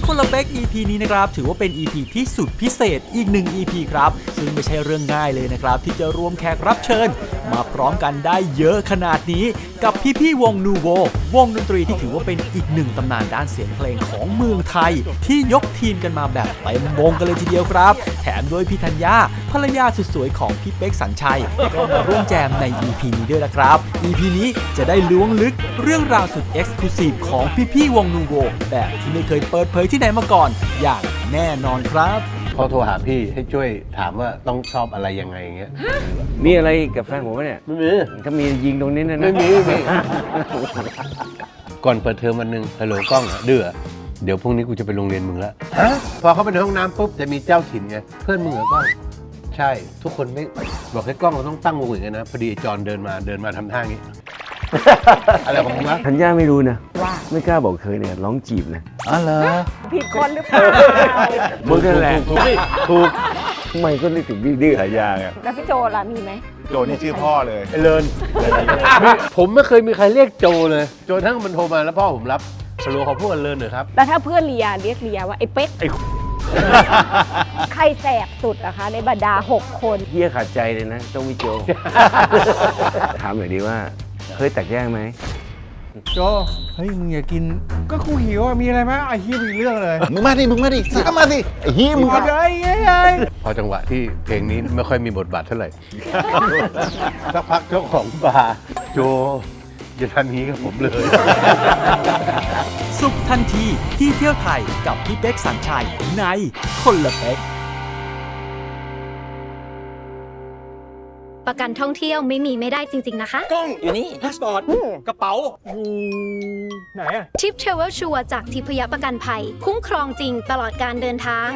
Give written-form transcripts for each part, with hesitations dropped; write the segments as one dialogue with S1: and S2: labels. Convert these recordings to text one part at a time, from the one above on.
S1: คนละเป๊ก EP นี้นะครับถือว่าเป็น EP ที่สุดพิเศษอีก1 EP ครับซึ่งไม่ใช่เรื่องง่ายเลยนะครับที่จะรวมแขกรับเชิญมาพร้อมกันได้เยอะขนาดนี้กับพี่ๆวงนูโววงดนตรีที่ถือว่าเป็นอีก1ตำนานด้านเสียงเพลงของเมืองไทยที่ยกทีมกันมาแบบเต็มวงกันเลยทีเดียวครับแถมโดยพี่ธัญญาภรรยาสุดสวยของพี่เป๊กสัญชัยก็มาร่วมแจมใน EP นี้ด้วยละครับ EP นี้จะได้ล้วงลึกเรื่องราวสุดเอ็กซ์คลูซีฟของพี่ๆวงนูโวแบบที่ไม่เคยเปิดเผยที่ไหนมาก่อนอย่างแน่นอนครับ
S2: พอโทรหาพี่ให้ช่วยถามว่าต้องชอบอะไรยังไงอย่างเงี้ย
S3: มีอะไรกับแฟนผมไหมเนี่ย
S2: ไม่มี
S3: ถ้ามียิงตรงนี้นะ
S2: ไม่มีก่อนเปิดเทอมวันหนึ่งฮัลโหลกล้องดื้อเดี๋ยวพรุ่งนี้กูจะไปโรงเรียนมึงแล้วพอเขาไปในห้องน้ำปุ๊บจะมีเจ้าถิ่นไงเพื่อนมึงเหรอกล้องใช่ทุกคนไม่บอกให้กล้องเราต้องตั้งวงอย่างนี้นะพอดีจอนเดินมาทำท่างี้อะไรของมึงวะ
S3: ธัญญาไม่รู้นะว่าไม่กล้าบอกเคยเนี่ยร้องจีบนะ
S2: อ๋อเหรอ
S4: ผิดคนหรือเปล่า
S3: มึงนั่นแหละ
S2: ถูก
S3: ทำไมก็นึกถึงพี่ดื้อหายาไง
S4: แล้วพี่โจล่ะมีไหม
S5: โจนี่ชื่อพ่อเลย
S2: ไอ้เลินผมไม่เคยมีใครเรียกโจเลยโจทั้งมันโทรมาแล้วพ่อผมรับฮัลโหลขอพูดกันเลินหน่อยครับ
S4: แล้วถ้าเพื่อนเรียเรียกเรียว่าไอ้เป๊กใครแสบสุดอะคะในบรรดา6 คน
S3: เฮียขาดใจเลยนะต้องวิโจถามหน่อยดีว่าเคยแตกแยกไหม
S5: โจเฮ้ยมึงอย่ากินก็กูหิวอ่ะมีอะไรไหมไอ้เฮียมีเรื่องเลย
S6: มึงมาดิสิก็มาสิไอ้เฮียมึง
S5: มาเลย
S2: พอจังหวะที่เพลงนี้ไม่ค่อยมีบทบาทเท่าไหร่สักพักเจ้าของบาร์โจอย่าทำนี้กับผมเลย
S1: สุขทันทีที่เที่ยวไทยกับพี่เป๊กสัญชัยในคนละเป๊ก
S7: ประกันท่องเที่ยวไม่ได้จริงๆนะคะ
S8: กล้องอยู่นี่พาสปอร์ตกระเป๋า
S5: ไหนอะ
S7: ทิปเทรเวลชัวร์จากทิพยประกันภัยคุ้มครองจริงตลอดการเดินทาง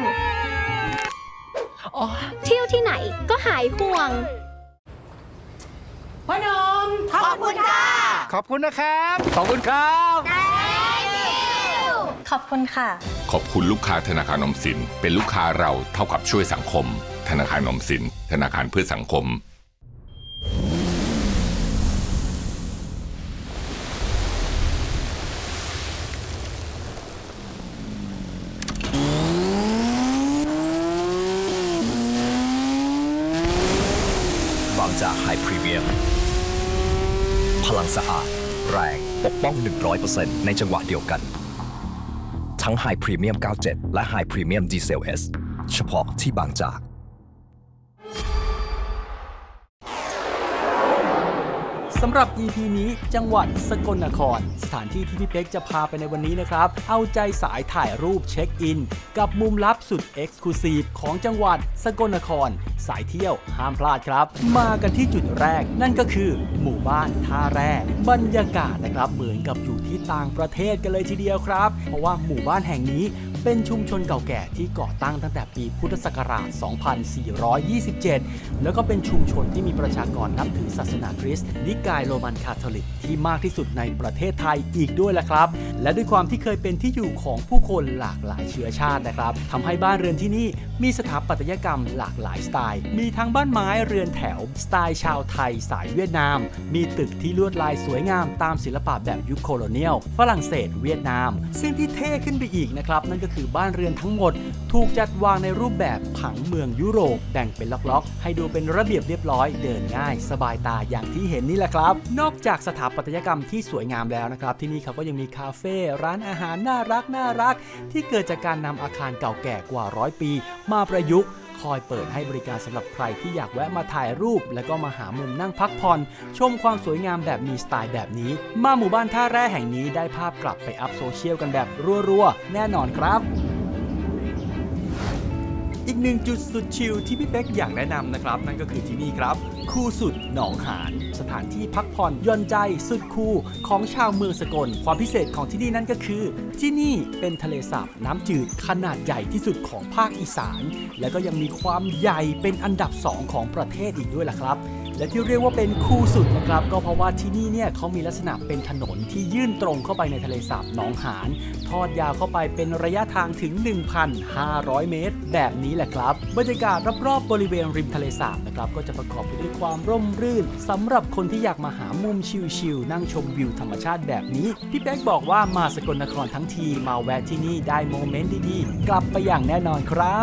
S7: เที่ยวที่ไหนก็หายห่วง
S4: พ่อหนุ่มขอบคุณค่ะ
S5: ขอบคุณนะครับ
S3: ขอบคุณครับ
S7: ขอบคุณค่ะ
S9: ขอบคุณลูกค้าธนาคารออมสินเป็นลูกค้าเราเท่ากับช่วยสังคมธนาคารออมสินธนาคารเพื่อสังคม
S10: บางจากไฮพรีเมียมพลังสะอาดแรงปกป้อง 100% ในจังหวะเดียวกันทั้งไฮพรีเมียม 97 และไฮพรีเมียมดีเซล S เฉพาะที่บางจาก
S1: สำหรับ EP นี้จังหวัดสกลนครสถานที่ที่พี่เป๊กจะพาไปในวันนี้นะครับเอาใจสายถ่ายรูปเช็คอินกับมุมลับสุดเอ็กซ์คลูซีฟของจังหวัดสกลนครสายเที่ยวห้ามพลาดครับมากันที่จุดแรกนั่นก็คือหมู่บ้านท่าแร่บรรยากาศนะครับเหมือนกับอยู่ที่ต่างประเทศกันเลยทีเดียวครับเพราะว่าหมู่บ้านแห่งนี้เป็นชุมชนเก่าแก่ที่ก่อตั้งตั้งแต่ปีพุทธศักราช 2427 แล้วก็เป็นชุมชนที่มีประชากรนับถือศาสนาคริสต์นิกายโรมันคาทอลิกที่มากที่สุดในประเทศไทยอีกด้วยแหละครับและด้วยความที่เคยเป็นที่อยู่ของผู้คนหลากหลายเชื้อชาตินะครับทำให้บ้านเรือนที่นี่มีสถาปัตยกรรมหลากหลายสไตล์มีทั้งบ้านไม้เรือนแถวสไตล์ชาวไทยสายเวียดนามมีตึกที่ลวดลายสวยงามตามศิลปะแบบยุคโคโลเนียลฝรั่งเศสเวียดนามซึ่งที่เท่ขึ้นไปอีกนะครับนั่นก็คือบ้านเรือนทั้งหมดถูกจัดวางในรูปแบบผังเมืองยุโรปแบ่งเป็นล็อกๆให้ดูเป็นระเบียบเรียบร้อยเดินง่ายสบายตาอย่างที่เห็นนี่แหละครับนอกจากสถาปัตยกรรมที่สวยงามแล้วนะครับที่นี่เขาก็ยังมีคาเฟ่ร้านอาหารน่ารักที่เกิดจากการนำอาคารเก่าแก่กว่า100 ปีมาประยุกต์คอยเปิดให้บริการสำหรับใครที่อยากแวะมาถ่ายรูปแล้วก็มาหามุมนั่งพักผ่อนชมความสวยงามแบบมีสไตล์แบบนี้มาหมู่บ้านท่าแร่แห่งนี้ได้ภาพกลับไปอัพโซเชียลกันแบบรัวๆแน่นอนครับอีกหนึ่งจุดสุดชิลที่พี่เป๊กอยากแนะนำนะครับนั่นก็คือที่นี่ครับคูสุดหนองหานสถานที่พักผ่อนหย่อนใจสุดคูลของชาวเมืองสกลความพิเศษของที่นี่นั่นก็คือที่นี่เป็นทะเลสาบน้ำจืดขนาดใหญ่ที่สุดของภาคอีสานและก็ยังมีความใหญ่เป็นอันดับ2ของประเทศอีกด้วยล่ะครับและที่เรียกว่าเป็นคูลสุดนะครับก็เพราะว่าที่นี่เนี่ยเขามีลักษณะเป็นถนนที่ยื่นตรงเข้าไปในทะเลสาบหนองหานทอดยาวเข้าไปเป็นระยะทางถึง 1,500 เมตรแบบนี้แหละครับบรรยากาศรอบๆบริเวณริมทะเลสาบนะครับก็จะประกอบไปด้วยความร่มรื่นสำหรับคนที่อยากมาหามุมชิลๆนั่งชมวิวธรรมชาติแบบนี้พี่เป๊กบอกว่ามาสกลนครทั้งทีมาแวะที่นี่ได้โมเมนต์ดีๆกลับไปอย่างแน่นอนครับ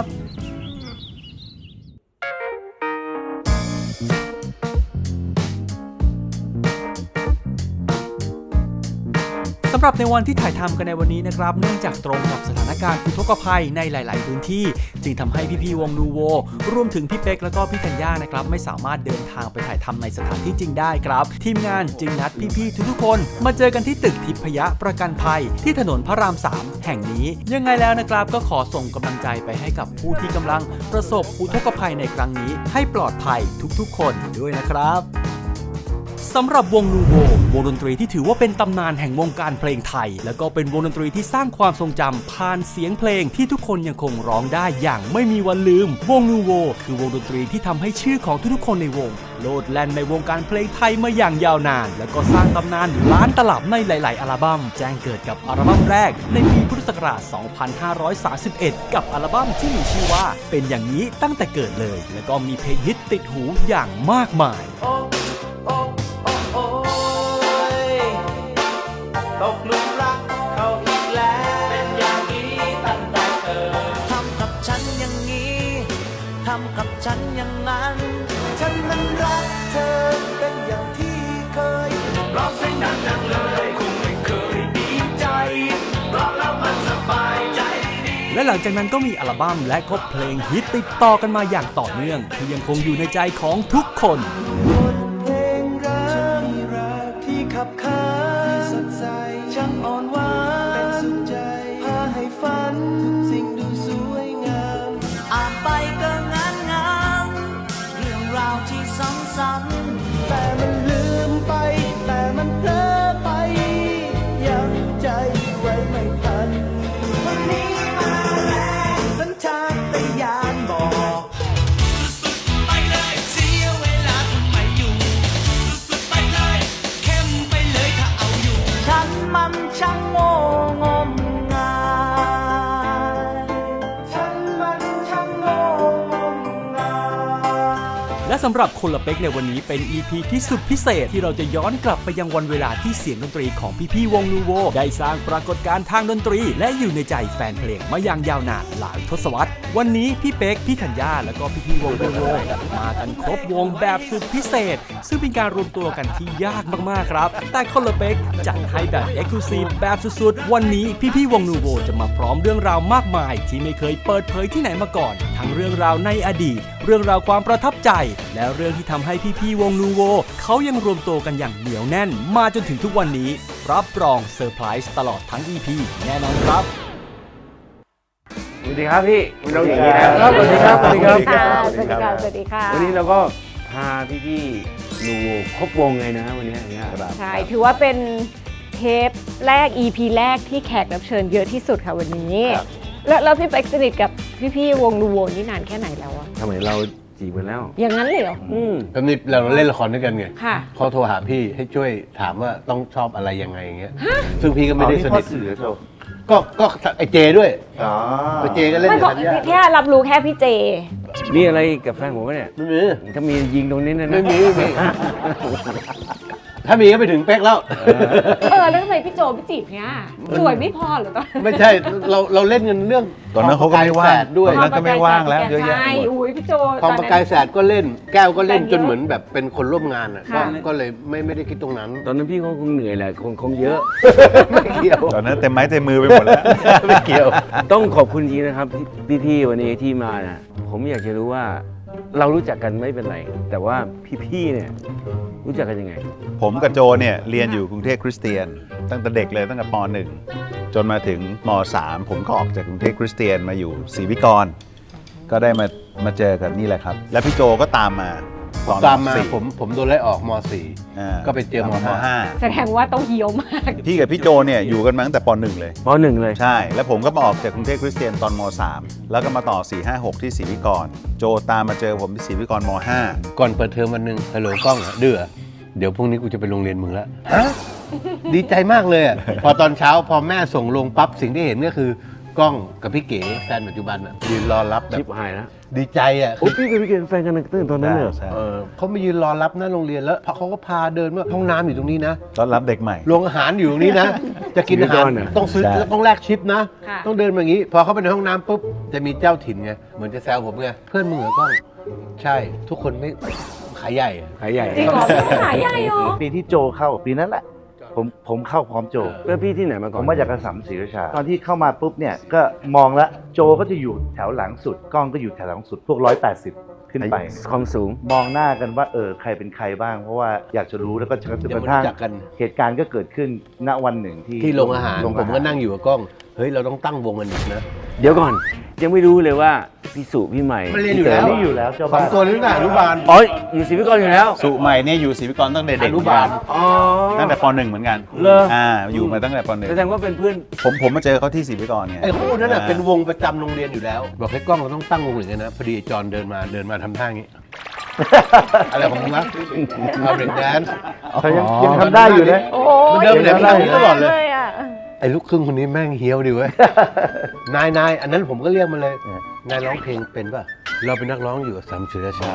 S1: สำหรับในวันที่ถ่ายทำกันในวันนี้นะครับเนื่องจากตรงกับสถานการณ์อุทกภัยในหลาย ๆ พื้นที่จึงทำให้พี่ๆวงนูโวรวมถึงพี่เป๊กแล้วก็พี่ธัญญานะครับไม่สามารถเดินทางไปถ่ายทำในสถานที่จริงได้ครับทีมงานจึงนัดพี่ๆทุกๆคนมาเจอกันที่ตึกทิพยประกันภัยที่ถนนพระราม 3 แห่งนี้ยังไงแล้วนะครับก็ขอส่งกำลังใจไปให้กับผู้ที่กำลังประสบอุทกภัยในครั้งนี้ให้ปลอดภัยทุกๆคนด้วยนะครับสำหรับวงนูโววงดนตรีที่ถือว่าเป็นตำนานแห่งวงการเพลงไทยและก็เป็นวงดนตรีที่สร้างความทรงจำผ่านเสียงเพลงที่ทุกคนยังคงร้องได้อย่างไม่มีวันลืมวงนูโวคือวงดนตรีที่ทำให้ชื่อของทุกๆคนในวงโลดแล่นในวงการเพลงไทยมาอย่างยาวนานและก็สร้างตำนานล้านตลับในหลายๆอัลบั้มแจ้งเกิดกับอัลบั้มแรกในปีพุทธศักราช 2531 กับอัลบั้มที่มีชื่อว่าเป็นอย่างนี้ตั้งแต่เกิดเลยและก็มีเพลงฮิตติดหูอย่างมากมาย
S8: ตกหลุมรักเขาอีกแล้วเป็นอย่างนี้ตั้งแต่เกิดทำกับฉันอย่างนี้ทำกับฉันอย่างนั้นฉันนั้นรักเธอเป็นอย่างที่เคยร้องเพลงดังๆเลยคงไม่เคยดีใจร้องแล้วมันสบายใจดี
S1: และหลังจากนั้นก็มีอัลบั้มและก็เพลงฮิตติดต่อกันมาอย่างต่อเนื่องที่ยังคงอยู่ในใจของทุกคน
S8: เพลงรักที่ขับขานสดใสช่างอ่อนหวานเป็นสุขใจพาให้ฝันสิ่งดูสวยงามอ่านไปก็งามเรื่องราวที่ซ้ำๆแต่มันลืมไปแต่มันเพลอไปยังใจไว้ไม่ทันวันนี้มาแล้วสัญชาตญาณบอกไปเลยเสียเวลาทำไมอยู่ไปเลยเข้มไปเลยถ้าเอาอยู่ฉันมันช่างโง่งมงายฉันมันช่างโง่งมงาย
S1: และสำหรับคนละเป๊กในวันนี้เป็น EP ที่สุดพิเศษที่เราจะย้อนกลับไปยังวันเวลาที่เสียงดนตรีของพี่ๆวงนูโวได้สร้างปรากฏการณ์ทางดนตรีและอยู่ในใจแฟนเพลงมาอย่างยาวนานหลายทศวรรษวันนี้พี่เป๊กพี่ธัญญาและก็พี่ๆวงนูโวมากันครบวงแบบสุดพิเศษซึ่งเป็นการรวมตัวกันที่ยากมากๆครับแต่คนละเป๊กจัดให้แบบ Exclusive แบบสุดๆวันนี้พี่ๆวงนูโวจะมาพร้อมเรื่องราวมากมายที่ไม่เคยเปิดเผยที่ไหนมาก่อนทั้งเรื่องราวในอดีตเรื่องราวความประทับใจและเรื่องที่ทำให้พี่ๆวงนูโวเขายังรวมตัวกันอย่างเหนียวแน่นมาจนถึงทุกวันนี้รับรองเซอร์ไพรส์ตลอดทั้ง EP แน่นอนครับ
S3: สวัสดีครับพี่คุณน้องหญิงนะครับ
S5: สวัสดีครับสวัสดีครับ
S4: สวัสดีค่ะสวัสดีค่ะ
S3: วันนี้เราก็พาพี่ๆนูโวครบวงเลยนะวันนี้ครับ
S4: ใช่ถือว่าเป็นเทปแรก EP แรกที่แขกรับเชิญเยอะที่สุดค่ะวันนี้แล้วพี่เป๊กสนิทกับพี่ๆวงนูโวนี่นานแค่ไหนแล้วอะ
S3: ทำไมเราจีบกันแล้ว
S4: อย่างนั้นเลยเหรอ
S2: ตอนนี้เราเล่นละครด้วยกันไง
S4: ค่ะ
S2: เขาโทรหาพี่ให้ช่วยถามว่าต้องชอบอะไรยังไงอย่างเงี้ยซึ่งพี่ก็ไม่ได้สนิทก็ไอเจด้วยไอเจก็เล่น
S4: ไม่
S2: กับธัญญา
S4: แค่รับรู้แค่พี่เจ
S3: นี่อะไรกับแฟนผมเนี่ย
S2: ไม่มี
S3: ถ้ามียิงตรงนี้นะ
S2: ไม่มีถ้ามีก็ไปถึงเป๊กแล้ว
S4: แล้วทำไมพี่โจไม่จีบเนี่ยสวยไม่พอหรือตอน
S2: ไม่ใช่เราเล่นกันเรื่อง
S6: ตอนนั้นเขาก็ไม่ว่าง
S2: ด้วย
S6: ตอนนั้นก็ไม่ว่างแล้วเยอะแยะ
S4: ใช่อุ้ยพี่โจ
S2: ทองประกายแสดก็เล่นแก้วก็เล่นจนเหมือนแบบเป็นคนร่วมงานอ่ะก็เลยไม่ได้คิดตรงนั้น
S3: ตอนนั้นพี่เขาคงเหนื่อยแหละคงเยอะ
S2: ไม่เกี่ยว
S6: ตอนนั้นเต็มไม้เต็มมือไปหมดแล้ว
S2: ไม่เกี่ยว
S3: ต้องขอบคุณจริงนะครับพี่ๆวันนี้ที่มานะผมอยากจะรู้ว่าเรารู้จักกันไม่เป็นไรแต่ว่าพี่ๆเนี่ยรู้จักกันยังไง
S6: ผมกับโจเนี่ยเรียนอยู่กรุงเทพคริสเตียนตั้งแต่เด็กเลยตั้งแต่ป .1 จนมาถึงม .3 ผมก็ออกจากกรุงเทพคริสเตียนมาอยู่ศรีวิกรก็ได้มาเจอกันนี่แหละครับแล้วพี่โจก็ตามมาตอน
S2: ตามมา
S6: 4
S2: ผมโดนไล่ออกม
S6: อ่า
S2: .4 ก็ไปเจอม
S4: แสดงว่าต้องเฮี้ยวมาก
S6: พี่กับพี่โจเนี่ยอยู่กันมาตั้งแต่ป .1 เลย
S3: ปหนึ่งเลย
S6: ใช่ แล้วผมก็มาออกจากกรุงเทพคริสเตียนตอนม .3 แล้วก็มาต่อ 4-5-6 ที่ศรีวิกรโจตามมาเจอผมที่ศรีวิกรม .5
S2: ก่อนเปิดเทอมวันหนึ่งฮัลโหลกล้องอะดื้อเดี๋ยวพรุ่งนี้กูจะไปโรงเรียนมึงแล้วฮะดีใจมากเลยอะพอตอนเช้าพอแม่ส่งลงปั๊บสิ่งที่เห็นก็คือกล้องกับพี่เก๋แฟนปัจจุบันอะยืนรอรับแบ
S3: ชิ
S2: บบ
S3: หายแล้ว
S2: ดีใจอะ
S3: โอ้พี่กับพี่เกณฑ์แฟนกันตั้งแต่ตอนนั้นเลยเหรอ
S6: ใช่
S2: เขามายืนรอรับหน้าโรงเรียนแล้วเขาก็พาเดินว่าห้องน้ำอยู่ตรงนี้นะ
S6: ต้อนรับเด็กใหม่
S2: โรงอาหารอยู่ตรงนี้นะ จะกินอาหาร
S3: ชีวิตก่อนอะ
S2: ต้องซื้อ
S6: ใช่
S2: ต้องแลกชิปนะ
S4: ค่ะ
S2: ต้องเดินมาอย่างนี้ พอเข้าไปในห้องน้ำปุ๊บจะมีเจ้าถิ่นไงเหมือนจะแซวผมไงเพื่อนมึงเหรอกล้องใช่ทุกคนไม่ขายใหญ่อะ
S3: ขายใหญ่
S4: จริงเหรอพี่ขายใหญ่เหรอ
S11: ปีที่โจเข้าปีนั้นแหละผมเข้าพร้อมโจ
S3: เพื่อนพี่ที่ไหนมา
S11: ผ
S3: ก่อน
S11: มมาจากกระสัมศรีราชาตอนที่เข้ามาปุ๊บเนี่ยก็มองแล้วโจก็จะอยู่แถวหลังสุดกล้องก็อยู่แถวหลังสุดพวก180 ขึ้นไป
S3: ความสูง
S11: มองหน้ากันว่าใครเป็นใครบ้าง เพราะว่าอยากจะรู้แล้วก็จนก
S2: เดี๋ยว
S11: ระ
S2: มา
S11: ทั่ง
S2: รู้จักกัน
S11: เหตุการณ์ก็เกิดขึ้นณวันหนึ่งที่
S2: ที่โรงอาหาร
S11: โรง
S2: ผมก็นั่งอยู่กับกล้องเฮ้ยเราต้องตั้งวงกันอีกนะ
S3: เดี๋ยวก่อน ยังไม่รู้เลยว่าพี่สุพี่ใหม่
S2: มันเรียนอยู่แล้ว
S11: นี่อยู่แล้วเจ้า
S2: สอ
S11: บ้าง น
S2: ตัวนี้ตั้งแต่อนุบาล
S3: อ๋ออยู่ศรีวิกรอยู่แล้ว
S6: สุใหม่เนี่ยอยู่ศรีวิกรตั้งแต่เด็ก
S2: อนุบาล
S3: อ๋อ
S6: ตั้งแต่ป .1 เหมือนกัน
S3: เหรอ
S6: อยู่มาตั้งแต่ป
S3: แสดงว่าเป็นเพื่อน
S6: .1 ผมมาเจอเขาที่ศรีวิกรเนี่ย
S2: ไอ้คู่นั้นน่ะเป็นวงประจำโรงเรียนอยู่แล้ว บอกให้กล้องเราต้องตั้งวงอย่างนี้นะพอดีจอนเดินมาทำท่าอย่างนี้ อะไรของมึงวะเอาเบรกแดนซ์
S11: เขายังทำได้อยู่นะ
S4: โอ้โห
S2: มันเดินไปไหนไม่ได้ตลอดเลย
S4: อะ
S2: ไอ้ลูกครึ่งคนนี้แม่งเฮี้ยวดิเว้ย นายอันนั้นผมก็เรียกมันเลย นายร้องเพลงเป็นป่ะ เราเป็นนักร้องอยู่กับสามศิลชา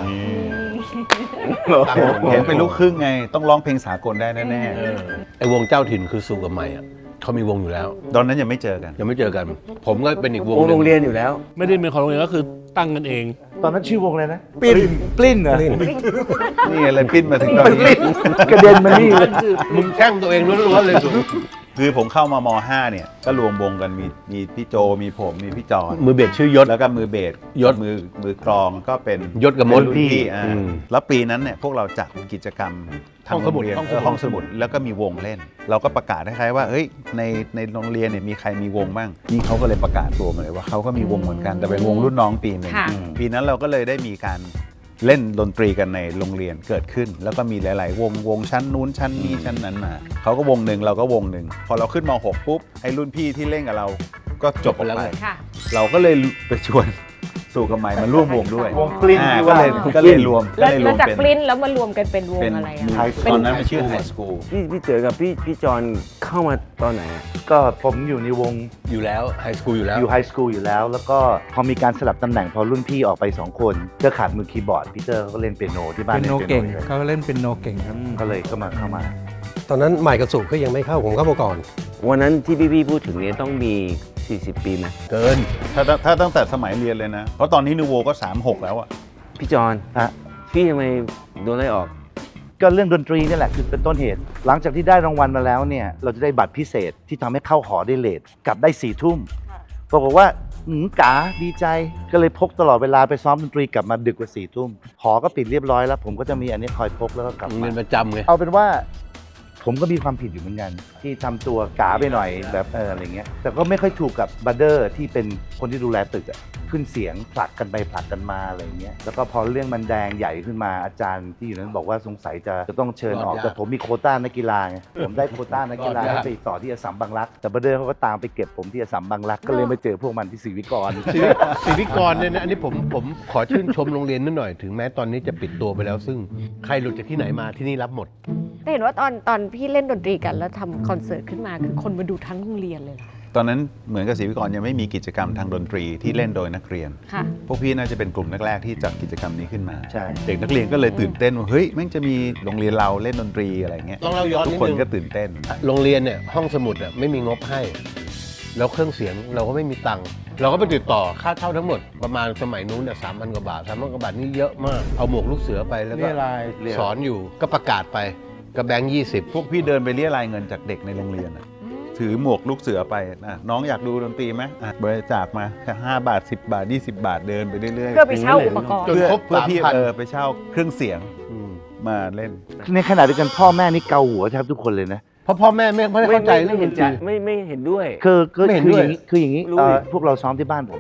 S6: เห็นเป็นลูกครึ่งไง ต้องร้องเพลงสากลได้แน่
S2: ไอ้วงเจ้าถิ่นคือสู่กับใหม่อ่ะเขามีวงอยู่แล้ว
S6: ๆตอนนั้นยังไม่เจอกัน
S2: ยังไม่เจอกัน ผมก็เป็นอีกวงห
S3: โอ้
S2: นึ่ง
S3: โรงเรียนอยู่แล้ว
S5: ไม่ได้เป็นของโรงเรียนก็คือตั้งกันเอง
S11: ตอนนั้นชื่อวงอะไรนะปลิ้นเหรอ
S6: นี่อะไรปิ้นมาถึงตอนนี้
S11: กระเด็นมานี่เลย
S2: มึงแช่งตัวเองล้วนๆเลยสุด
S6: คือผมเข้ามาม .5 เนี่ยก็รวมวงกันมีพี่โจมีผมมีพี่จอน
S2: มือเบสชื่อยศ
S6: แล้วก็มือเบส
S2: ยศ
S6: มือกลองก็เป็น
S2: ยศกับมด
S6: เป็นรุ่นพี่
S2: อืม
S6: แล้วปีนั้นเนี่ยพวกเราจัดกิจกรรมทางโรงเรียน
S2: ห้องสมุด
S6: แล้วก็มีวงเล่น เราก็ประกาศคล้ายๆว่าเฮ้ยในโรงเรียนเนี่ยมีใครมีวงบ้างนี่เขาก็เลยประกาศตัวมาเลยว่าเขาก็มีวงเหมือนกันแต่เป็นวงรุ่นน้องปีหนึ่ง
S4: ค่ะ
S6: ปีนั้นเราก็เลยได้มีการเล่นดนตรีกันในโรงเรียนเกิดขึ้น แล้วก็มีหลายๆวงชั้นนู้นชั้นนี้ชั้นนั้นมาเขาก็วงหนึ่งเราก็วงหนึ่งพอเราขึ้นม .6 ปุ๊บไอ้รุ่นพี่ที่เล่นกับเราก็จบออกไป
S4: ค่ะ
S6: เราก็เลยไปชวนสู่กับใหม่มาร่วมวงด้วย
S11: วงปลิ้น
S6: ก็เลยรวม
S4: แล้วจาก
S6: เป็น
S4: ปลิ้นแล้วมารวมกันเป็นวง
S6: เป็น
S4: อะไรอะ
S6: ตอนนั้นมันชื่อไฮสคูล
S3: พี่เต๋อกับพี่จอนเข้ามาตอนไหนอะ
S11: ก็ผมอยู่ในวง
S2: อยู่แล้วไฮสคูลอยู่แล้ว
S11: อยู่ไฮสคูลอยู่แล้ว แล้วก็พอมีการสลับตำแหน่งพอรุ่นพี่ออกไป2คนก็ขาดมือคีย์บอร์ดพีเตอร์เขาก็เล่นเปียโนที่บ้าน
S5: เป็นโน
S11: ล่
S5: เก่ง
S11: ปีย
S5: เขาเล่นเป็นโนเก่งครับ
S11: ก็เลยเข้ามา
S12: ตอนนั้นใหม่กับสุก็ยังไม่เข้าผมเข้ามาก่อน
S3: วันนั้นที่พี่พูดถึงเนี่ยต้องมี 40 ปีไหม
S2: เกิน
S6: ถ้าตั้งแต่สมัยเรียนเลยนะ เพราะตอนนี้นูโวก็ 36 แล้วอะ
S3: พี่จอน
S11: ฮะ
S3: พี่ทำไมโดนไล่ออก
S11: ก็เรื่องดนตรีนี่แหละคือเป็นต้นเหตุ หลังจากที่ได้รางวัลมาแล้วเนี่ยเราจะได้บัตรพิเศษที่ทำให้เข้าหอได้เลทกลับได้4 ทุ่มปรากฏว่าก๋าดีใจก็เลยพกตลอดเวลาไปซ้อมดนตรีกลับมาดึกกว่า4 ทุ่มหอก็ปิดเรียบร้อยแล้ว ผมก็จะมีอันนี้คอยพกแล้วก็กลับ
S2: มึง
S11: มา
S2: เป็นประจำไง
S11: เอาเป็นว่าผมก็มีความผิดอยู่เหมือนกัน ที่ทำตัวก๋าไปหน่อยแบบอะไรเงี้ยแต่ก็ไม่ค่อยถูกกับบัดเดอร์ที่เป็นคนที่ดูแลตึกอะขึ้นเสียงผลักกันไปผลักกันมาอะไรเงี้ยแล้วก็พอเรื่องมันแดงใหญ่ขึ้นมาอาจารย์ที่อยู่นั้นบอกว่าสงสัยจะต้องเชิญออก
S2: รอดยาก
S11: แต่ผมมีโควต้านักกีฬาไงผมได้โควต้านักกีฬาร
S2: อดยาก
S11: ให้ไปต่อที่อัสสัมบางรักแต่บัดเดอร์เขาก็ตามไปเก็บผมที่อัสสัมบางรักก็เลยมาเจอพวกมันที่ศรีวิกร
S2: ศิวิกรเนี่ยนะอันนี้ผมขอชื่นชมโรงเรียนนิดหน่อยถึงแม้ตอนนี้จะปิดตัวไปแล้ว ซึ่งใครหลุดจากที่ไหนมาที่นี่รับหมด
S4: แต่เห็นว่าตอนพี่เล่นดนตรีกันแล้วทำคอนเสิร์ตขึ้นมาคือคนมาดูทั้งโรงเรียนเลยเหรอ
S6: ตอนนั้นเหมือนกับศรีวิกรยังไม่มีกิจกรรมทางดนตรีที่เล่นโดยนักเรียน
S4: ค่ะ
S6: พวกพี่น่าจะเป็นกลุ่มแรกๆที่จัดกิจกรรมนี้ขึ้นมา
S11: ใช่
S6: เด็กนักเรียนก็เลยตื่นเต้นว่าเฮ้ยแม่งจะมีโรงเรียนเราเล่นดนตรีอะไรเงี้ย
S2: ลองเล่าย้อน
S6: ทุ
S2: นิ
S6: ก
S2: ด
S6: คน
S2: นึง
S6: ก็ตื่นเต้น
S2: โรงเรียนเนี่ยห้องสมุดอ่ะไม่มีงบให้ แล้วเครื่องเสียงเราก็ไม่มีตังค์เราก็ไปติดต่อค่าเช่าทั้งหมดประมาณสมัยนู้นเนี่ย3,000 กว่าบาท3,000 กว่าบาทนี่เยอะมากเอาหมวกลูกเสือไปแล้วก็
S5: เรียราย
S2: สอนอยู่ก็ประกาศไปก็แบงค์20
S6: พวกพี่เดินไปเรียรายเงินจากเด็กในโรงเรียนอะถือหมวกลูกเสือไปนะน้องอยากดูดนตรีไหมอ่ะบริจาคมาแค่5 บาท 10 บาท 20 บาทเดินไปเรื่อยๆ
S4: เพื่อไปเช่าอุปกรณ์
S2: จนครบ
S6: เพื่อพี่
S2: 3,000
S6: ไปเช่าเครื่องเสียงมาเล่น
S11: ในขณะเดียวกันพ่อแม่นี่เกาหัวแทบทุกคนเลยนะ
S2: เพราะพ่อแม่ไม่เข้าใจเรื่องดนตรี
S3: ไม่เห็นด้วย
S11: คือ
S2: ไม่เห็น
S11: คือ
S2: ด้วย
S11: อย่างนี้คืออย่างนี้
S3: รู้ดิ
S11: พวกเราซ้อมที่บ้านผมเนี่ย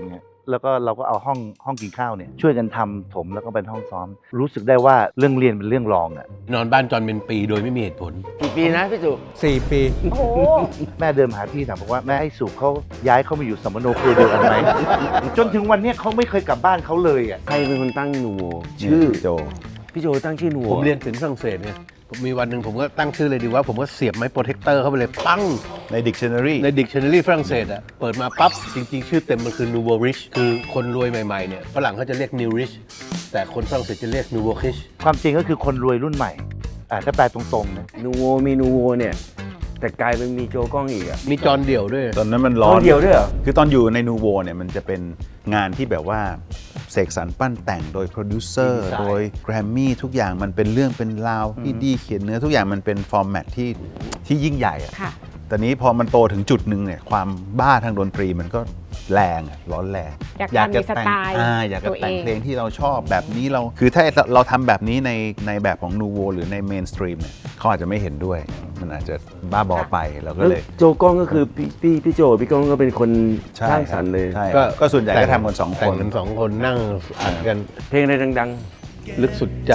S11: แล้วก็เราก็เอาห้องกินข้าวเนี่ยช่วยกันทำถมแล้วก็เป็นห้องซ้อม รู้สึกได้ว่าเรื่องเรียนเป็นเรื่องรองอ่ะ
S2: นอนบ้านจอนเป็นปีโดยไม่มีเหตุผล
S3: กี่ปีนะพี่จุ
S5: 4 ปี
S4: โอ้โห
S11: แม่เดินมาหาพี่ถามบอกว่าแม่ให้สุเขาย้ายเข้ามาอยู่สมโนครัวเดียวกันไหม จนถึงวันเนี้ยเขาไม่เคยกลับบ้านเขาเลยอ่ะ
S3: ใครเป็นคนตั้งนูโวชื่อ
S6: โจ
S3: พี่โจตั้งชื่อนูโว
S2: ผมเรียนศิลป์ฝรั่งเศสเนี่ยผมมีวันหนึ่งผมก็ตั้งชื่อเลยดีว่าผมก็เสียบไม้โปรเทคเตอร์เข้าไปเลยปั้ง
S6: ใน dictionary
S2: ใน dictionary ฝรั่งเศสอะเปิดมาปั๊บ จริงๆ ชื่อเต็มมันคือ nouveau riche คือคนรวยใหม่ๆเนี่ยฝรั่งเขาจะเรียก new rich แต่คนฝรั่งเศสจะเรียก nouveau riche
S11: ความจริงก็คือคนรวยรุ่นใหม่ถ้าแปลตรงๆนะ
S3: นูโวมีนูโวเนี่ยแต่กลายเป็นมีโจกล้องอีกอะ
S2: มีจอนเดี่ยวด้วย
S6: ตอนนั้นมันร้อน
S3: เดียวด้วยเหรอ
S6: คือตอนอยู่ในนูโวเนี่ยมันจะเป็นงานที่แบบว่าเสกสรรปั้นแต่งโดยโปรดิวเซอร์
S2: ดีไซน์
S6: โดยแกรมมี่ทุกอย่างมันเป็นเรื่องเป็นราวพี่ดีเขียนเนื้อทุกอย่างมันเป็นฟอร์แมตที่ยิ่งใหญ่อะ
S4: ค่ะ
S6: แต่นี้พอมันโตถึงจุดหนึ่งเนี่ยความบ้าทางดนตรีมันก็แรงอะร้อนแรง
S4: อยากทำในสไตล์
S6: อยากจะ
S4: ตัวเอง
S6: แต่งเพลงที่เราชอบแบบนี้เราคือถ้าเราทำแบบนี้ในแบบของนูโวหรือในเมนสตรีมเนี่ยเขาอาจจะไม่เห็นด้วย มันอาจจะบ้าบอไปเราก็
S3: แล้ว
S6: เลย
S3: โจกล้องก็คือพี่โจพี่ก้องก็เป็นคน
S6: ใช่
S3: สร้างสรรค์เลย
S6: ใช่ก็ส่วนใหญ่ก็ทำกันสองค
S2: แต่ง
S6: น
S2: กันสองคนนั่งอัดกัน
S3: เพลงอะไรดัง
S2: ลึกสุดใจ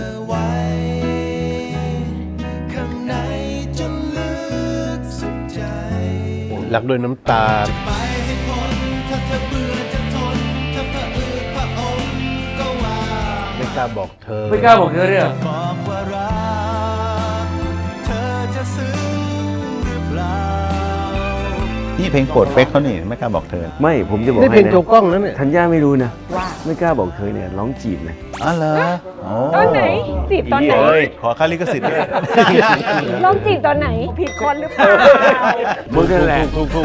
S8: ข้างในจนลึกสุดใจ
S2: รักด้วยน้ำตา
S8: ไปให้พ้นถ้าเธอเบื่อจะทนถ้าเธออืดพระองค์ก็ว่า
S2: ไม่กล้าบอกเธอ
S3: ๆไม่กล้าบอกเธอเนี่ย
S8: บอกว่ารักเธอจะซึ้งหรือเปล่า
S6: นี่เพลงโปรดเป๊กเขานี่ไม่กล้าบอกเธอ
S3: ไม่ผมจะบอก
S2: นี่
S3: ให้
S2: เพลง
S3: นะ
S2: โจกล้องนั่นเนี่ย
S3: ธัญญาไม่รู้นะ
S4: ว่า
S3: ไม่กล้าบอกเธอเนี่ยร้องจีบนะ
S6: อ๋อเหรอโอ้
S4: ตอนไหนจีบตอนไหน
S6: ขอค่าลิขสิทธิ์ด้วย
S4: ลองจีบตอนไหน ผิดคนหรือเปล่า
S3: มึงนั่นแหละ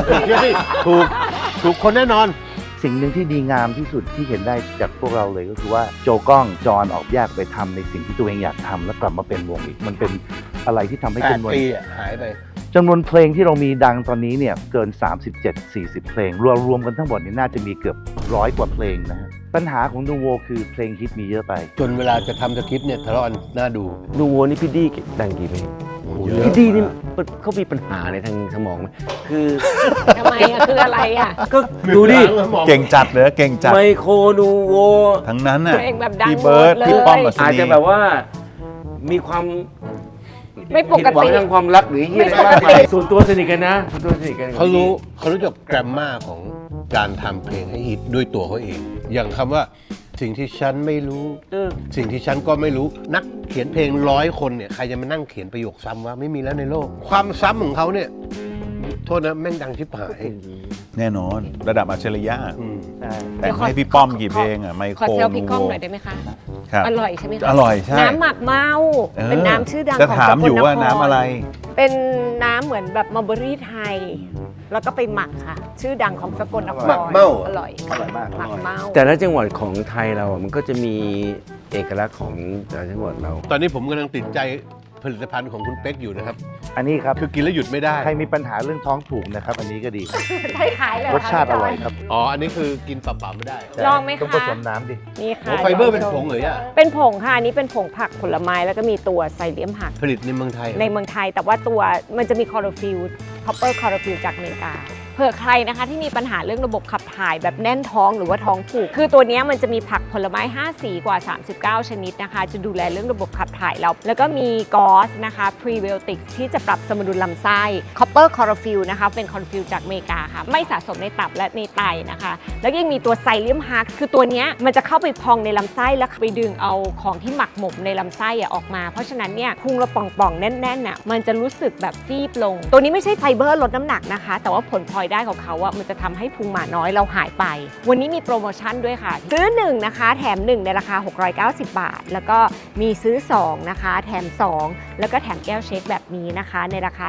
S2: ถูกคนแน่นอน
S11: สิ่งหนึ่งที่ดีงามที่สุดที่เห็นได้จากพวกเราเลยก็คือว่าโจก้องจอนออกแยกไปทำในสิ่งที่ตัวเองอยากทำแล้วกลับมาเป็นวงอีก มันเป็นอะไรที่ทำให้จำนวน
S2: 8 ปีอะหายไป
S11: จำนวนเพลงที่เรามีดังตอนนี้เนี่ยเกิน 37-40 เพลงรวมกันทั้งหมดเนี่ยน่าจะมีเกือบ100 กว่าเพลงนะฮะปัญหาของนูโวคือเพลงฮิตมีเยอะไป
S2: จนเวลาจะทำสคริปต์เนี่ยทะเลาะกันน่าดู
S3: นูโวนี่พี่ดีดังกี่เพลง
S2: เยอะ
S3: พี่ดีนี่เขามีปัญหาในทางสมองไหมคือ
S4: ทำไมอะคืออะไรอะ
S3: ก็ดูดิ
S6: เก่งจัดเลยเก่งจัด
S3: ไมโครนูโว
S6: ทั้งนั้นน่ะ
S4: เพลงแบบดัง
S6: พี่เบิร์ด
S4: หมดเลย
S6: พี่ป้อมอัศ
S3: อาจ
S6: นี
S3: จะแบบว่ามีความ
S4: ไม่ป
S3: ผิด
S4: ก
S3: หวัง
S4: ติ
S3: ทางความรักหรือที่อะไรบ้างไปส่วนตัวสนิทกันนะส่วนตัวสนิทกัน
S2: เขารู้จักแกรมมาของการทำเพลงให้ฮิตด้วยตัวเขาเอง อย่างคำว่าสิ่งที่ฉันไม่รู้ สิ่งที่ฉันก็ไม่รู้นักเขียนเพลง100 คนเนี่ยใครจะมานั่งเขียนประโยคซ้ำว่าไม่มีแล้วในโลก ความซ้ำของเขาเนี่ยโทษนะแม่งดังชิบหาย
S6: แน่นอนระดับอัจฉริยะ
S11: ใช่
S6: แต่งให้พี่ป้อมกี่เพลงอ่ะไม
S4: ขอ
S6: โคร
S4: เซลพี่
S6: นู
S4: ก้อง
S6: โว
S4: หน่อยได้ไหมคะ
S6: ครับ
S4: อร่อยใช่ไหมคะ
S6: อร่อยใช่
S4: น้ำหมักเมา เป็นน้ำชื่อดัง
S6: จะ
S4: ของ
S6: ถามอยู่ว่าน้ำอะไร
S4: เป็นน้ำเหมือนแบบมัลเบอรี่ไทย แล้วก็ไปหมักค่ะ ชื่อดังของสกลนคร
S2: หมักเม่า
S4: อร่อย
S11: อร่อยมาก
S4: หมักเมา
S3: แต่ละจังหวัดของไทยเราอ่ะมันก็จะมีเอกลักษณ์ของแต่ละจังหวัดเรา
S2: ตอนนี้ผมกำลังติดใจผลิตภัณฑ์ของคุณเป๊กอยู่นะครับ
S11: อันนี้ครับ
S2: คือกินแล้วหยุดไม่ได้
S11: ใครมีปัญหาเรื่องท้องผูกนะครับ อันนี้ก็ดี
S4: ใช่ขายเลย
S11: รสชาติอร่อยครับ
S2: อ๋อ อันนี้คือกินเปล่าๆไม่ได้
S4: ลองไหมคะ
S11: ต้องผสมน้ำดิ
S4: นี่ค่ะ
S2: โอ้ไฟเบอร์เป็นผงเหรอย่า
S4: เป็นผงค่ะ อันนี้เป็นผงผักผลไม้แล้วก็มีตัวไซเลียมผัก
S2: ผลิตในเมืองไทย
S4: ในเมืองไทยแต่ว่าตัวมันจะมีคลอโรฟิลคอปเปอร์คลอโรฟิลจากอเมริกาเผื่อใครนะคะที่มีปัญหาเรื่องระบบขับถ่ายแบบแน่นท้องหรือว่าท้องผูกคือตัวเนี้ยมันจะมีผักผลไม้5สีกว่า39ชนิดนะคะจะดูแลเรื่องระบบขับถ่ายเราแล้วก็มีกอสนะคะพรีไบโอติกที่จะปรับสมดุลลำไส้คอปเปอร์คลอโรฟิลนะคะเป็นคลอโรฟิลจากอเมริกาค่ะไม่สะสมในตับและในไตนะคะแล้วยังมีตัวไซเลียมฮักคือตัวเนี้ยมันจะเข้าไปพองในลำไส้แล้วไปดึงเอาของที่หมักหมมในลำไส้ออกมาเพราะฉะนั้นเนี่ยพุงเราป่องๆแน่นๆน่ะมันจะรู้สึกแบบฟีบลงตัวนี้ไม่ใช่ไฟเบอร์ลดน้ำหนักนะคะแต่ว่าผลพลอยได้ของเขาอะมันจะทำให้พุงหมาน้อยเราหายไปวันนี้มีโปรโมชั่นด้วยค่ะซื้อ1นะคะแถม1ในราคา690 บาทแล้วก็มีซื้อ2นะคะแถม2แล้วก็แถมแก้วเช็คแบบนี้นะคะในราคา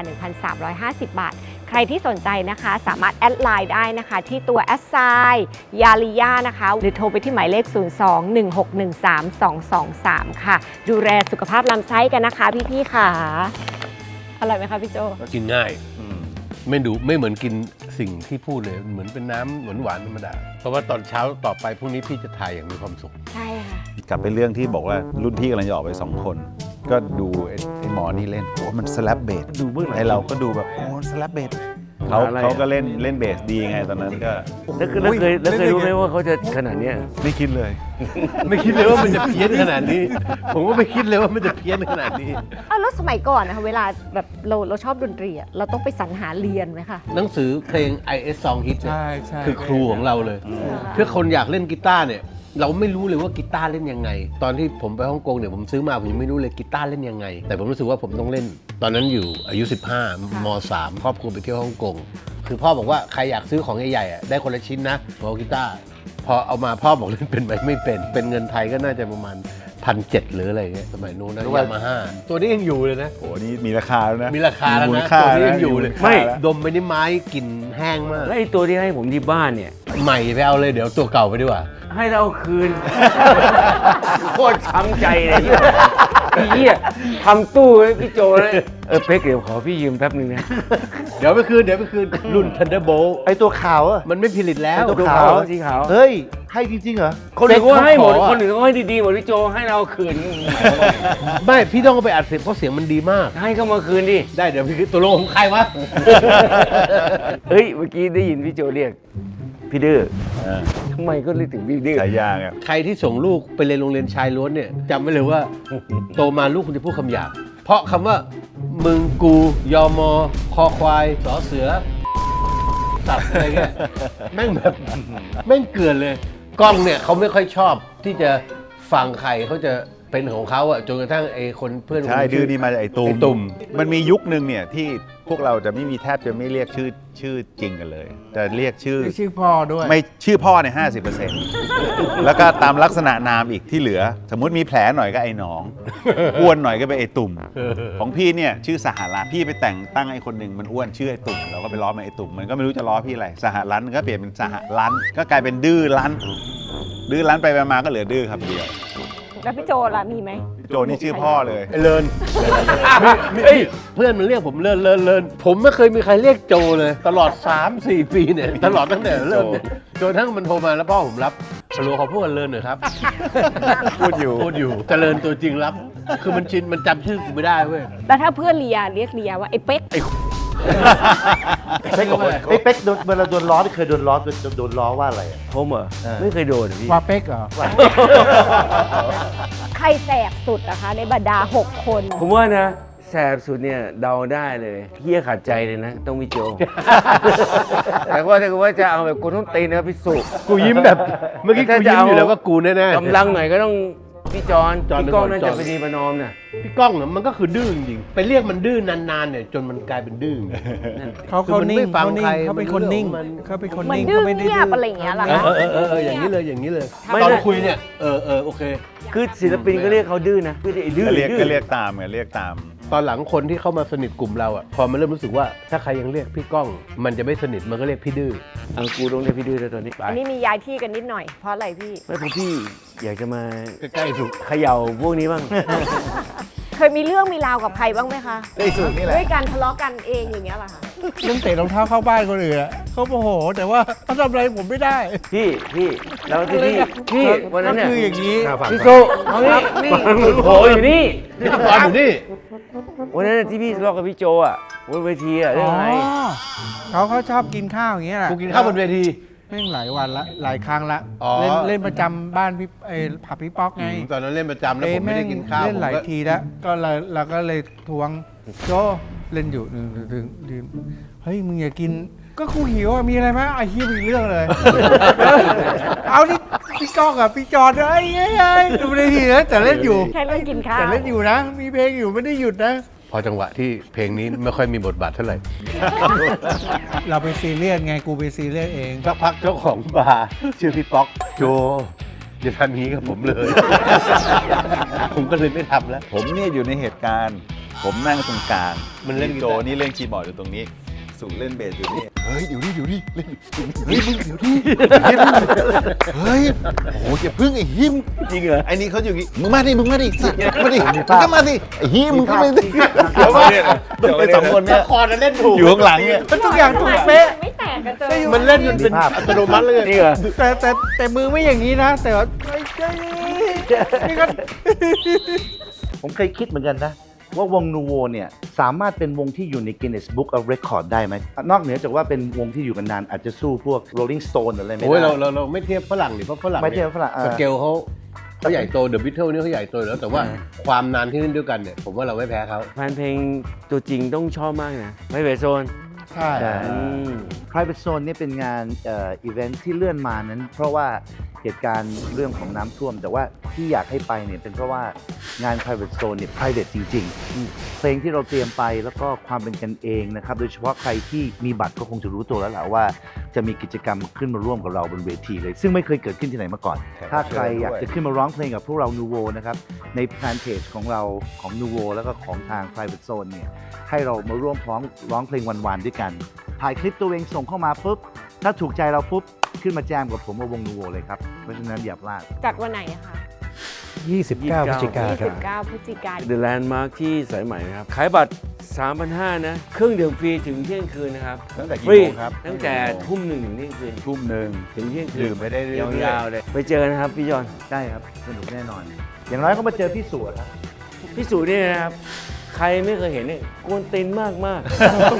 S4: 1,350 บาทใครที่สนใจนะคะสามารถแอดไลน์ได้นะคะที่ตัวแอดไซน์ยาลิยานะคะหรือโทรไปที่หมายเลข 02-1613223 ค่ะดูแลสุขภาพลำไส้กันนะคะพี่ๆค่ะอร่อยไหมคะพี่โจ
S2: กินง่ายไม่เหมือนกินสิ่งที่พูดเลยเหมือนเป็นน้ำหวานๆธรรมดาเพราะว่าตอนเช้าต่อไปพรุ่งนี้พี่จะถ่ายอย่างมีความสุข
S4: ใช่ค่ะ
S6: กลับไปเรื่องที่บอกว่ารุ่นพี่กำลังจะออกไป2 คน ก็ดูไอ้หมอนี่เล่นโอ้มันสแลปเบส
S3: ดูเบื้องหลัง
S6: ไอเราก็ดูแบบโอ้สแลปเบสเขาก็เล่นเบสดีไงตอนนั้นก็
S3: แล้วเคยรู้ไหมว่าเขาจะขนาดเนี้ย
S6: ไม่คิดเลย
S2: ไม่คิดเลยว่ามันจะเพี้ยนขนาดนี้ ผมก็ไม่คิดเลยว่ามันจะเพี้ยนขนาดนี้
S4: แล้วสมัยก่อนนะคะเวลาแบบเราชอบดนตรีอะเราต้องไปสรรหาเรียนไหมคะ
S2: หนังสือเพลง IS Song Hit เนี่ย
S5: ใช่
S2: คือครูของเราเลยถ้าคนอยากเล่นกีตาร์เนี่ยเราไม่รู้เลยว่ากีตาร์เล่นยังไง ตอนที่ผมไปฮ่องกงเนี่ยผมซื้อมาผมยังไม่รู้เลยกีตาร์เล่นยังไง แต่ผมรู้สึกว่าผมต้องเล่น ตอนนั้นอยู่อายุ 15 ม .3 ครอบครัวไปเที่ยวฮ่องกงคือพ่อบอกว่าใครอยากซื้อของใหญ่ๆได้คนละชิ้นนะของกีตาร์พอเอามาพ่อบอกเล่นเป็นไหมไม่เป็นเงินไทยก็น่าจะประมาณ1,700หรืออะไรเงี้ยสมัยนู้นนะยามาฮ่าตัวนี้ยังอยู่เลยนะ
S6: โหนี่มีราคาแล้วนะ
S2: มีราคาแล้ว
S6: มูล
S2: นะ
S6: ค่า
S2: ตัวนี้ยังอยู่เลย
S6: ไม่
S2: ดมไปนี่ไม้กลิ่นแห้งมาก
S3: แล้วไอ้ตัวที่ให้ผมที่บ้านเนี่ย
S2: ใหม่ไปเอาเลยเดี๋ยวตัวเก่าไปดีกว่า
S3: ให้เราคืน โคตรช้ำใจเลยพี่เหี้ยทำตู้ให้พี่โจเลยเป๊กเดี๋ยวขอพี่ยืมแป๊บนึงนะ
S2: เดี๋ยวไปคืนรุ่น Thunderbolt
S11: ไอตัวขาวอะ
S2: มันไม่ผลิตแล้ว
S11: ไอ้ตัวขาว
S3: สีขาว
S11: เฮ้ย ให้จริงๆเหรอ
S3: คนอื่นเขาให้หมด
S2: ขอ
S3: คนอื่นเขาให้ดีๆหมดพี่โจให้เราคืน
S2: ไม่พี่ต้องเอาไปอัดเสียงเพราะเสียงมันดีมาก
S3: ให้เขามาคืนดิ
S2: ได้เดี๋ยวพี่ตัวลงของใครวะ
S3: เฮ้ยเมื่อกี้ได้ยินพี่โจเรียกพี่ดื้อทำไมก็เรียกถึงพี่ดื้อ
S6: ฉายาไง
S2: ใครที่ส่งลูกไปเรียนโรงเรียนชายล้วนเนี่ยจำไว้เลยว่า โตมาลูกคุณจะพูดคำหยาบเพราะคำว่ามึงกูยอมอคอควายสอเสือสัตว์อะไรเงี้ยแม่งแบบแม่งเกลือนเลยกล้องเนี่ยเขาไม่ค่อยชอบที่จะฟังใครเขาจะเป็นของเขาอะจนกระทั่งไอ้คนเพื่อน
S6: ใช่ดื้อนี่มาจากไอ้ตุ่มมันมียุคนึงเนี่ยที่พวกเราจะไม่มีแทบจะไม่เรียกชื่อจริงกันเลยจะเรียกชื่อ
S5: ชื่อพ่อด้วย
S6: ไม่ชื่อพ่อใน 50% แล้วก็ตามลักษณะนามอีกที่เหลือ สมมุติมีแผลหน่อยก็ไอ้หนอง อ้วนหน่อยก็เป็นไอ้ตุ่ม ของพี่เนี่ยชื่อสหรัฐพี่ไปแต่งตั้งไอ้คนหนึ่งมันอ้วนชื่อไอ้ตุ่มเราก็ไปล้อมันไอ้ตุ่มมันก็ไม่รู้จะล้อพี่อะไรสหรัฐก็เปลี่ยนเป็นสหรัฐก็กลายเป็นดื้อรั้นไปมาก็เหลือดื้อครับเดียว
S4: แล้วพี่โจล่ะมีไหม
S6: โจนี่ชื่อพ่อเลย
S2: ไอ้เลินเพื่อนมันเรียกผมเลินผมไม่เคยมีใครเรียกโจเลยตลอด 3-4 ปีเนี่ยตลอดตั้งแต่เริ่มเนี่ยจนทั้งมันโทรมาแล้วพ่อผมรับฮัลโหลขอพูดกันเลินหน่อยครับ
S6: พูดอยู่
S2: เจริญตัวจริงรับ คือมันชินมันจำชื่อกูไม่ได้เว้ย
S4: แล้วถ้าเพื่อนเรียเรียกเรียว่าไอ้เป๊ก
S11: เป๊กไอ้เป๊กเวลาโดนล้อที่เคยโดนล้อว่าอะไรอะ
S3: ผมเหรอไม่เคยโดนพี่
S5: ว่าเป๊กเหรอ
S4: ใครแสบสุดนะคะในบรรดา 6 คน
S3: ผมว่านะแสบสุดเนี่ยเดาได้เลยเฮียขาดใจเลยนะต้องพี่โจ แต่ว่าถ้าเกิดว่าจะเอาแบบคนต้องตีนะพี่สุ
S2: กูยิ้มแบบเมื่อกี้กูยิ้มอยู่แล้วว่ากูแน่ๆ
S3: กำลังหน่อยก็ต้องพี่จอน
S2: จอน
S3: พี่ก้อง
S2: เป็นคน
S3: น่า
S2: จอ
S3: จะ
S2: น
S3: ไปดีประนอมน่ะ
S2: พี่ก้องเนี่ยมันก็คือดื้อจริงๆไปเรียกมันดื้อนานๆเนี่ยจนมันกลายเป็นดื้อ
S5: เขา
S2: คือมัน
S5: นิ่ง
S2: ไม่ฟังใคร
S5: เขาเป็นคนนิ่ง
S2: มัน
S5: เขาเป็นคน
S4: มัน
S5: นิ่ง
S4: ดื้อ
S5: เขาไม่ได้
S4: เงียบอะไรอย่างเงี้ยเหรอคะ
S2: อย่างนี้เลย
S3: ไม่
S2: ตอน
S3: นะ
S2: คุยเนี่ยโอเค
S3: คือศิลปินก็เรียกเขาดื้อนะไม่ได้ไอ้ดื้อ
S6: ก็เรียก
S3: ดื้อ
S6: ก็เรียกตามไงเรียกตาม
S2: ตอนหลังคนที่เข้ามาสนิทกลุ่มเราอ่ะพอมันเริ่มรู้สึกว่าถ้าใครยังเรียกพี่ก้อง มันจะไม่สนิทมันก็เรียกพี่ดื้อ
S3: เอากูต้องเรียกพี่ดื้อแล้วตอนนี้ไป
S4: อันนี้มีย้ายที่กันนิดหน่อย เพราะอะไรพี่
S3: ไม่เพราะพี่อยากจะมา
S2: ใกล้ๆถูก
S3: เขย่าพวกนี้บ้าง
S4: เคยมีเรื่องมีราวกับใครบ้างไหมคะ
S6: ได้สูตรนี่แหละ
S4: ด้วยการทะเลาะกันเองอย่างเงี้ยเหรอคะ
S5: เรื่องเตะรองเท้าเข้าบ้านคนอื่นอะเขาโมโหแต่ว่าเขาทำอะไรผมไม่ได้
S3: พี่แล้วที่พี่วันนั้นเนี่ย
S5: ก็คืออย่างนี้
S3: พี่โซเอานี่โผล่อยู่นี่
S2: พี่ตอนอยู่นี่
S3: วันนั้นที่พี่ทะเลาะกับพี่โจอ่ะบนเวทีอ่ะเรื่องอะไร
S5: เขาชอบกินข้าวอย่างเงี้ยแหละ
S2: กูกินข้าวบนเวที
S5: แม่งหลายวันละหลายครั้งละ
S2: อ๋อ
S5: เล่นประจำบ้านพี่ผับพี่ป๊อกไง
S2: ตอนนั้นเล่นประจำแล้วผมไม่ได้กินข้าว
S5: เล่นหลาย
S2: ผมก็
S5: ทีแล้วก็เราก็เลยทวงโจเล่นอยู่ดึงเฮ้ยมึงอย่ากินก็กูหิวอะมีอะไรไหมไอ้เหี้ยมีเรื่องเลย เอาที่พี่ก้องกับพี่จอดไอ้ดูในทีนะแต่เล่นอยู่
S4: แค่เรื่องกินข้าว
S5: แต่เล่นอยู่นะ มีเพลงอยู่ไม่ได้หยุดนะ
S2: พอจังหวะที่เพลงนี้ไม่ค่อยมีบทบาทเท่าไหร่
S5: เราไปซีเรียสไงกูไปซีเรียสเอง
S2: สักพักเจ้าของบาร์ชื่อพี่ป๊อกโจอย่าทำอย่างนี้กับผมเลย ผมก็เลยไม่ทำแล้ว
S6: ผมเนี่ยอยู่ในเหตุการณ์ ผมนั่งตรงกลาง
S2: มันเล่นกีตาร์
S6: โจนี่เล่นคีย์บอร์ดอยู่ตรงนี้ สูเล่นเบสอยู่นี่ เฮ้ยอยู่นี่เล่น
S2: เฮ้ยมึงเดี๋ยวดิ
S6: เฮ้ยโอ้โหอย่าพึ่งไอ้หิม
S3: จริงเหรอ
S6: ไอ้นี่เขาอยู่อย่างงี้มึงมาดิสัตว์มาดิมึงก็มาดิไอ้หิมมึงก็มาดิเดี๋ยวไอ้สองคนเนี่ย
S2: คอร์ดเล่นถูก
S6: อยู่ข้างหลังเนี่ย
S5: ทุกอย่างถูกเป๊ะ
S4: ไม่แตกกันเจอ
S2: มันเล่นจนเป็นอัตโนมัติเลย
S3: จริงเหรอ
S5: แต่มือไม่อย่างนี้นะ แต่ว่านี่ก็
S11: ผมเคยคิดเหมือนกันนะว่าวงนูโวเนี่ยสามารถเป็นวงที่อยู่ใน Guinness Book of Record ได้ไหมนอกเหนือจากว่าเป็นวงที่อยู่กันนานอาจจะสู้พวก Rolling Stone อะไรไม่ได้
S2: โอ้ยเราไม่เทียบฝรั่งดิเพราะฝรั่ง
S11: ไม่เทียบฝรั่ง
S2: สเกลเขาใหญ่โตเดอะบิทเทิลนี่เขาใหญ่โตอยู่แล้วแต่ว่าความนานที่เล่นด้วยกันเนี่ยผมว่าเราไม่แพ้เขา
S3: แฟนเพลงตัวจริงต้องชอบมากนะไม่เวโซน
S5: ใช่
S11: Private Zone เนี่ยเป็นงานอีเวนท์ที่เลื่อนมานั้น เพราะว่าเหตุการณ์เรื่องของน้ำท่วม แต่ว่าที่อยากให้ไปเนี่ยเป็นเพราะว่างาน Private Zone เนี่ย private จริงๆเพลงที่เราเตรียมไปแล้วก็ความเป็นกันเองนะครับโดยเฉพาะใครที่มีบัตรก็คงจะรู้ตัวแล้วแหละว่าจะมีกิจกรรมขึ้นมาร่วมกับเราบนเวทีเลย ซึ่งไม่เคยเกิดขึ้นที่ไหนมาก่อน ถ้าใครอยากจะขึ้นมาร้องเพลงกับพวกเรา Nuvo นะครับในแฟนเพจของเราของ Nuvo แล้วก็ของทาง Private Zone เนี่ยให้เรามาร่วมร้องเพลงวันๆด้วยกันถ่ายคลิปตัวเองส่งเข้ามาปุ๊บถ้าถูกใจเราปุ๊บขึ้นมาแจมกับผมวงนูโวเลยครับเพราะฉะนั้นอย่าพลาด
S4: จัดวันไหนอะคะ
S12: 29 พฤศจิกายนครับ
S4: 29 พฤศจิกายน
S3: The Landmark ที่สายใหม่นะครับ ขายบัตร 3,500 นะ เครื่องดื่มฟรีถึงเที่ยงคืนนะครับ
S6: ตั้งแต่กี่
S3: ฟรี
S6: โมงครับ
S3: ตั้งแต่ทุ่มหนึ่งถึงเที่ยงคืน
S6: ทุ่มหนึ่ง
S3: ถึงเที่ยงคืน
S6: ดื่มไปได้เรื่อยๆ
S3: ยาวๆเลย ไปเจอกันนะครับพี่จอน
S11: ได้ครับสนุกแน่นอน อย่างน้อยก็มาเจอพี่สุครับ
S3: พี่สุเนี่ยนะครับ ใครไม่เคยเห็นเนี่ยกวนตีนมากมาก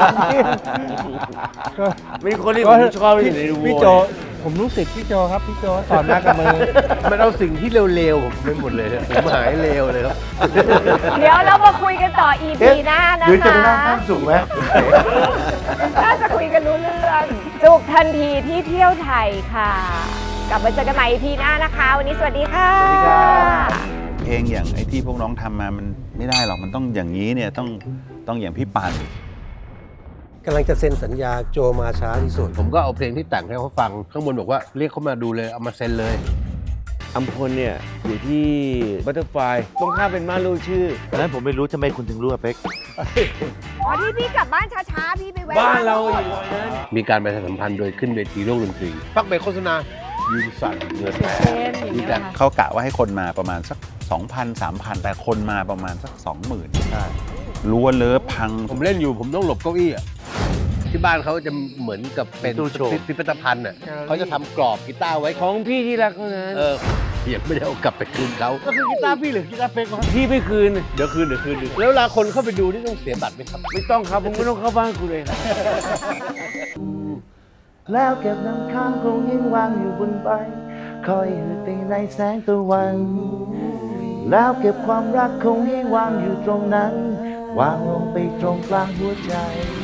S3: เป็นคนที่ผมชอบที่ในดูโว
S5: พี่โจผมรู้สึกพี่โจครับพี่โจสอนมากับมือ
S2: มันเอาสิ่งที่เร็วๆผมไปหมดเลยผมหายเร็วเลยครับ
S4: เดี๋ยวเรามาคุยกันต่อ EP หน้านะ
S11: หรือจะ
S4: คะ
S11: ไปนั่งข้างสุไหม
S4: น่าจะคุยกันรู้เรื่องจุกทันทีที่เที่ยวไทยค่ะ กลับมาเจอกันใหม่ EP หน้านะคะ วันนี้สวัสดีค่ะ
S6: เพลงอย่างไอ้ที่พวกน้องทำมามันไม่ได้หรอกมันต้องอย่างนี้เนี่ยต้องอย่างพี่ปาน
S12: กำลังจะเซ็นสัญญาโจมาช้าที่สุด
S2: ผมก็เอาเพลงที่แต่งให้เขาฟังข้างบนบอกว่าเรียกเขามาดูเลยเอามาเซ็นเลย
S3: อัมพลเนี่ยอยู่ที่บัตเตอร์ไฟตรงข้ามเป็นม่านรูดชื่อ
S11: ตอนนั้นผมไม่รู้ทำไมคุณถึงรู้อะเป๊ก
S4: อ๋อที่พี่กลับบ้านช้าๆ พี่ไปแวะ
S3: บ้านเราอยู่ตรงนั้น
S2: มีการประชาสัมพันธ์โดยขึ้นเวทีโลกดนตรีพักเบรกโฆษณายืนสั่นเงินแตก
S4: เช่นอย่างเงี้ยเหรอคะ
S6: เขากะว่าให้คนมาประมาณสัก 2,000 3,000 แต่คนมาประมาณสัก 20,000ล้วนเลอะพัง
S2: ผมเล่นอยู่ผมต้องหลบเก้าอี้อ่ะที่บ้านเขาจะเหมือนกับเป็น
S11: ตู้โชว์
S2: พิพิธภัณฑ์อ่ะเขาจะทำกรอบกีตาร์ไว้
S3: ของพี่ที่รักเท่านั้น
S2: ยังไม่ได้เอากลับไปคืนเขาก็คือกีตาร์พี่หรือกีตาร์เป๊กวะ
S3: พี่ไม่คืน
S2: เดี๋ยวคืนแล้วเวลาคนเข้าไปดูนี่ต้องเสียบัตรไหมครับ
S3: ไม่ต้องครับผมไม่ต้องเข้าบ้านคุณเลยครับ
S11: แล้วเก็บน้ำค้างคงยังวางอยู่บนใบคอยหืดไปในแสงตะวัน แล้วเก็บความรักคงให้วางอยู่ตรงนั้น วางลงไปตรงกลางหัวใจ